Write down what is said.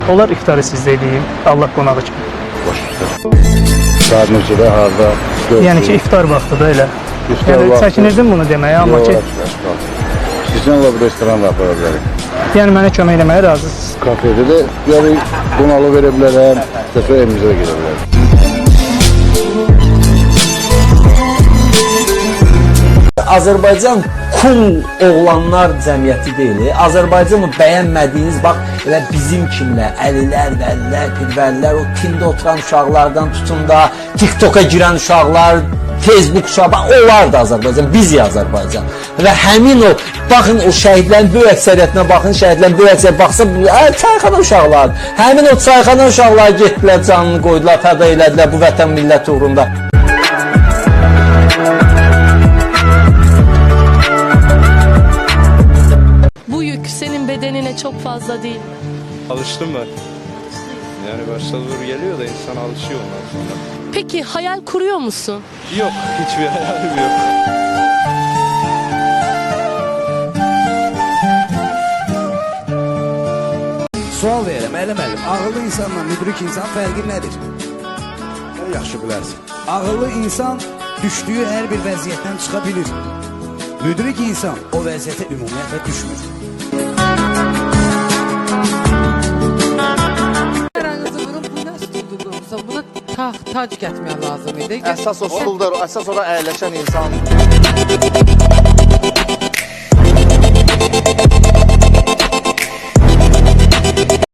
Onlar iftarı sizdə edeyim, Allah qonağı kimi. Saat neçədə, harada? Yəni ki, iftar vaxtıdır elə. İftar Yəni, vaxtı. çəkinirdim bunu deməyə, amma ki, Sizdən bu restoran da apara bilərik. yəni mənə kömək eləməyə razısınız. Kafede de yani konalı verə bilərəm, dəfə evimizə də gedə bilərəm. Azərbaycan cool oğlanlar cəmiyyəti deyil. Azərbaycanı bəyənmədiyiniz, bax, elə bizim kimlə, əlilər, vəlilər, pirvəlilər, o tində oturan uşaqlardan tutun da, TikToka girən uşaqlar, Facebook uşaqlar, onlar da Azərbaycan, bizi Azərbaycan. Və həmin o, baxın o şəhidlərin böyük əksəriyyətinə baxın, şəhidlərin böyük əksəriyyətinə baxsa, çayxana uşaqlar. Həmin o çayxana uşaqlar getdilər, canını qoydular, fəda elədilər bu vətən millət uğrunda. Bu yük senin bedenine çok fazla değil. Alıştım ben. Yani başta zor geliyor da insan alışıyor ondan sonra. Peki hayal kuruyor musun? Yok, hiçbir hayalim yok. Sual verirəm, müəllim, ağıllı insanla müdrik insan fərqi nədir? Yaxşı bilərsin. Ağıllı insan düşdüyü hər bir vəziyyətdən çıxa bilir. Müdrik insan o vəziyyətə ümumiyyətlə düşmür. Aranızı vurub, bu nə stulduqsa, buna tac getməyə lazım idi. Əsas o stuldur, əsas ora əyləşən insan.